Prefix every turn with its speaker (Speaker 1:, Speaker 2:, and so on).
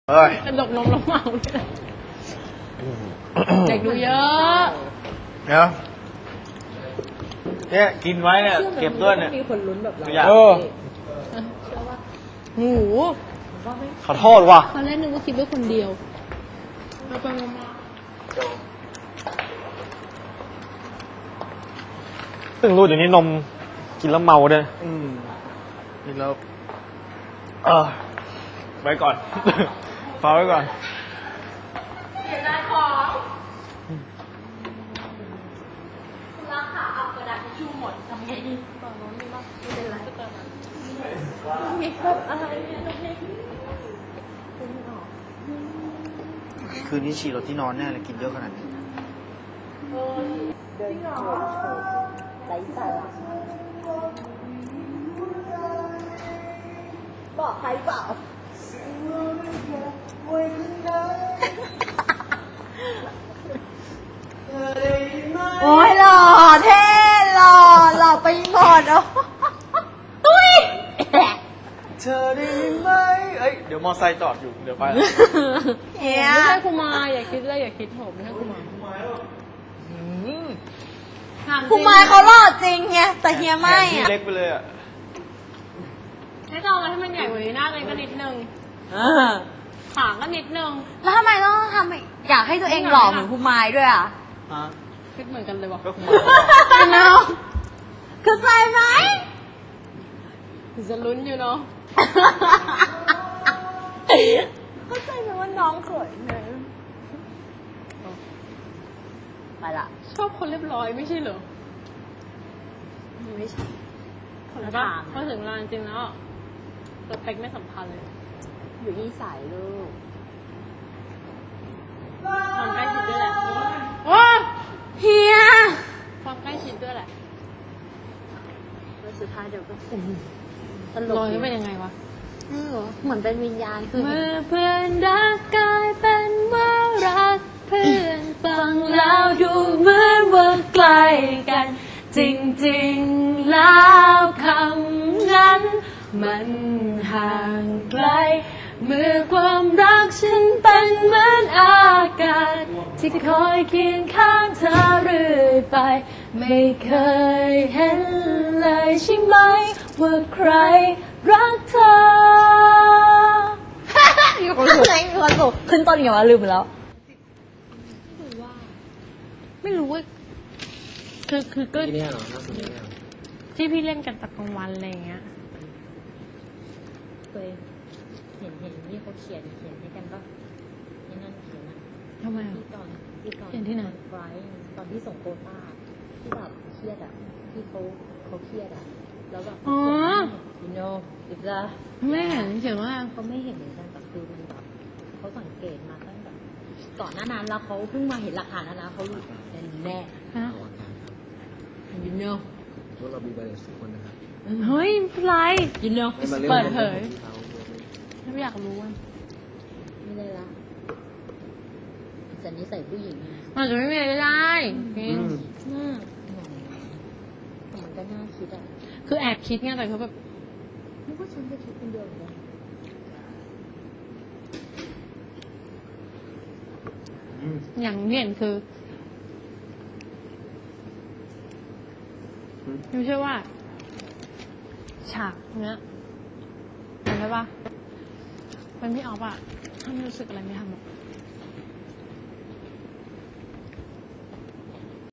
Speaker 1: กระดกนมแล้วเมาเด็กดูเยอะ
Speaker 2: เนี่ยกินไว้เนี่ยเก็บด้วยเนี่ย
Speaker 3: มีคนลุ้นแบบเรา
Speaker 1: หมู
Speaker 2: ขอโทษว่ะ
Speaker 1: ตอนแรกนึกว่าคิดว่าคนเดียวมาไปมา
Speaker 2: เพิ่งรู้เดี๋ยวนี้นมกินแล้วเมาด้วยกินแล้วไว้ก่อนฝากไว้ก่อน
Speaker 1: เสียดายของราคาเอากระดาษทิชชู่หมดทำไงดีตอนนู้นนี่มั้งไม่เป็นไรมีครบอะไรเนี่ยตรงนี้
Speaker 2: คืนนี้ฉี่รถที่นอนแน่เลยกินเยอะขนาดนี้
Speaker 3: เดินโชว์ไร้สาระบอกใครเปล่าโอ้ยหล่อเท่หล่อไปหมดอ่ะตุ้ย
Speaker 2: เธอได้ไหมเดี๋ยวมอไซค์จอดอยู่เดี๋ยวไป
Speaker 1: ไม่ใช่คุมาอย่าคิดเลยอย่าคิดผมไม่ใช่คุมา
Speaker 3: คุมายเขาหล่อจริงไงแต่เฮียไม่อ่ะ
Speaker 2: เล็กไปเลยอ่ะ
Speaker 1: ให้ลองให้มันใหญ่กว่านี้หน้าเลยก็นิดนึงขาก็นิดนึง
Speaker 3: แล้วทำไมต้องทำอยากให้ตัวเองหล่อเหมือนคุมายด้วยอ่ะ
Speaker 1: คิดเหมือนกันเลยวะ
Speaker 2: ก็คุมาย
Speaker 3: เนาะเข้าใจไหม
Speaker 1: จะลุ้นอยู่เนาะ
Speaker 3: เข้าใจไหมว่าน้องเขินเลยไปละ
Speaker 1: ชอบคนเรียบร้อยไม่ใช่เหรอ
Speaker 3: ไม่ใช่
Speaker 1: คนละทางพอถึงร้านจริงแล้วสเปคไม่สำคัญเลย
Speaker 3: อยู่ที่สายลูก
Speaker 1: ความใกล้ชิดด้วยแหละ
Speaker 3: เฮีย
Speaker 1: ความใกล้ชิดด้วยแหละ
Speaker 3: แล้วสุดท้ายเดี๋ยวก็
Speaker 1: ตลกนี่เป็นยังไงวะ
Speaker 3: เหมือนเป็นวิญญาณคือ
Speaker 1: เมื่อเพื่อนรักกลายเป็นว่ารักเพื่อนฟังแล้วดูเหมือนว่าไกลกันจริงๆแล้วคำนั้นมันห่างไกลเมื่อความรักฉันเป็นเหมือนอากาศที่คอยเคียงข้างเธอเรื่อยไปไม่เคยเห็นเลยใช่ไหมว่าใครรักเธอ
Speaker 3: มีคนสูงมีคนสูงขึ้นต้นอย่างว่าลืมไปแล้ว
Speaker 1: ไม่รู้ว่าคือก็ที่พี่เล่นกันตะกลางวันอะไรอย่างเงี้ย
Speaker 3: เคยเห็นนี่เขาเขียนให้กันปะนี่นั่นเขียนอะ
Speaker 1: ทำไม
Speaker 3: ที่ตอน
Speaker 1: เขียนที่ไหน
Speaker 3: ไฟตอนที่ส่งโควต้าที่แบบเครียดอะที่เขาเครียดอะแล้วแบบyou know
Speaker 1: ไม่เห็นเขียนว่า
Speaker 3: เขาไม่เห็นเหมือนกันแต่คือมันแบบเขาสังเกตมาตั้งแต่ก่อนหน้านั้นแล้วเขาเพิ่งมาเห็นหลักฐานนะเขาแน่you know
Speaker 2: พวกเรามีใบเสร็จคนนะครับ
Speaker 1: เฮ้ยไร
Speaker 3: you know
Speaker 1: เปิดเผยไม่อยากรู้อ่ะ
Speaker 3: ไม่ได้ละจะนิสัยผู้หญิง
Speaker 1: มันจะไม่มีอะไรได้จริง
Speaker 3: มันก็น่าคิดอ่ะ
Speaker 1: คือแอบคิดไงแต่เขาแบบ
Speaker 3: นึกว่าฉันจะคิดคนเดียวเลย
Speaker 1: อย่างเห็นคือไม่ใช่ว่าฉากเนี้ยเห็นไหมปะเป็นพี่ออฟอะถ้าไม่รู้สึกอะไรไม่ทำหรอก